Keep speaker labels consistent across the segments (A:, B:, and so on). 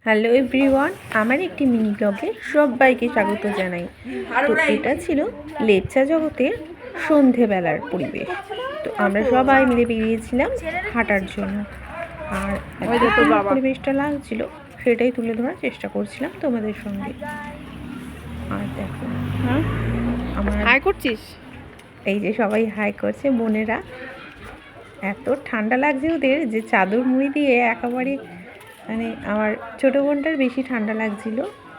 A: Hello everyone, আমার একটি mini ব্লগে সবাইকে স্বাগত জানাই। তো এটা ছিল লেপচা জগতের সন্ধেবেলার পরিবেশ। তো আমরা সবাই মিলে বেরিয়েছিলাম হাঁটার জন্য, আর পরিবেশটা লাগছিল সেটাই তুলে ধরার চেষ্টা করছিলাম তোমাদের সঙ্গে। আর দেখো, হ্যাঁ আমার
B: হাই করছিস,
A: এই যে সবাই হাই করছে বোনেরা। এত ঠান্ডা লাগছে ওদের যে চাদর মুড়ি দিয়ে একেবারে, মানে আমার ছোট বোনটার বেশি ঠান্ডা লাগছিল।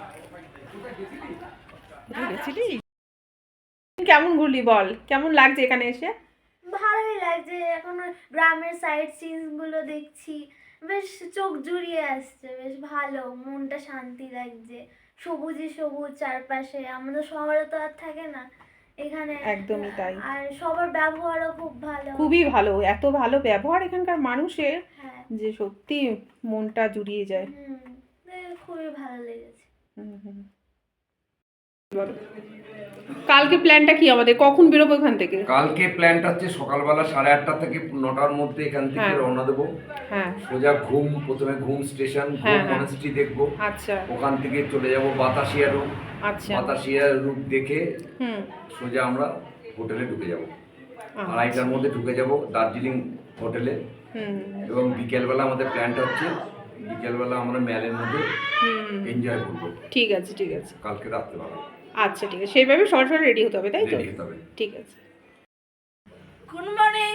B: কেমন ঘুরলি বল, কেমন লাগছে এখানে এসে?
C: ভালোই লাগছে। এখন গ্রামের সাইড সিনস গুলো দেখছি, বেশ চোখ জুড়িয়ে আসছে, বেশ ভালো, মনটা শান্তি লাগছে। সবুজে সবুজ চারপাশে, আমাদের শহরে তো আর থাকে না এখানে।
B: একদমই তাই।
C: আর সবার ব্যবহারও খুব ভালো,
B: খুবই ভালো, এত ভালো ব্যবহার এখানকার মানুষের
C: হ্যাঁ
B: যে সত্যি মনটা জুড়িয়ে যায়।
C: খুবই ভালো লেগেছে।
B: বলো, কালকে প্ল্যানটা কি আমাদের? কখন বেরোবো এখান থেকে?
D: কালকে প্ল্যানটা হচ্ছে সকালবেলা 8:30 থেকে 9টার মধ্যে এখান থেকে
B: হ্যাঁ।
D: রওনা দেবো।
B: হ্যাঁ
D: সোজা ঘুম, প্রথমে ঘুম স্টেশন,
B: হ্যাঁ,
D: ঘুম
B: হ্যাঁ।
D: মনেস্ট্রি দেখবো।
B: আচ্ছা
D: ওখান থেকে চলে যাব বাতাসিয়া রুট।
B: আচ্ছা
D: বাতাসিয়া রুট দেখে
B: হুম
D: সোজা আমরা হোটেলে ঢুকে যাব।
B: আচ্ছা।
D: 2:30টার মধ্যে ঢুকে যাব দার্জিলিং হোটেলে।
B: হুম
D: এবং বিকেলবেলা আমাদের প্ল্যানটা হচ্ছে বিকেলবেলা আমরা ম্যালের মধ্যে
B: হুম
D: এনজয় করবো
B: ঠিক আছে ঠিক আছে।
D: কালকে রাত্রেবেলা।
B: আচ্ছা ঠিক আছে, সেইভাবে সরাসরি রেডি হতে হবে, তাই তো?
D: রেডি হতে হবে।
B: ঠিক আছে।
C: Good morning.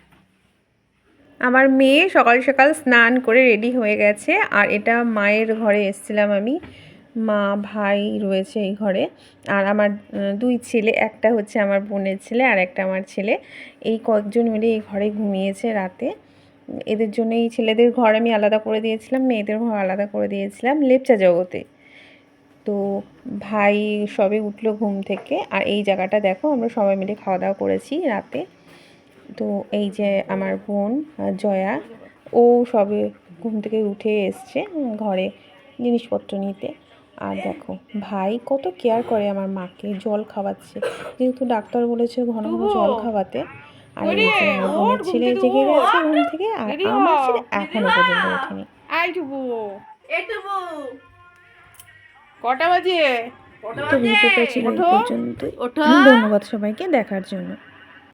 A: আমার মেয়ে সকাল সকাল স্নান করে রেডি হয়ে গেছে, আর এটা মায়ের ঘরে এসেছিলাম আমি। মা ভাই রয়েছে এই ঘরে, আর আমার দুই ছেলে, একটা হচ্ছে আমার বোনের ছেলে আর একটা আমার ছেলে। এই কয়েকজন মিলে এই ঘরে ঘুমিয়েছে রাতে। এদের জন্য এই ছেলেদের ঘর আমি আলাদা করে দিয়েছিলাম, মেয়েদের ঘর আলাদা করে দিয়েছিলাম লেপচা জগতে। তো ভাই সবে উঠলো ঘুম থেকে, আর এই জায়গাটা দেখো আমরা সবাই মিলে খাওয়া দাওয়া করেছি রাতে। তো এই যে আমার বোন জয়া, ও সবে ঘুম থেকে উঠে এসছে ঘরে জিনিসপত্র নিতে। আর দেখো ভাই কত কেয়ার করে আমার মাকে, জল খাওয়াচ্ছে, যেহেতু ডাক্তার বলেছে ঘন ঘন জল খাওয়াতে। আর এই যে আমার বোনের ছেলে জেগে গেছে ঘুম থেকে, আর আমার ছেলে এখনো পর্যন্ত ওঠেনি।
B: কটা বাজে?
A: তো ভিডিওটা ছিল এই পর্যন্তই। ধন্যবাদ সবাইকে দেখার জন্য।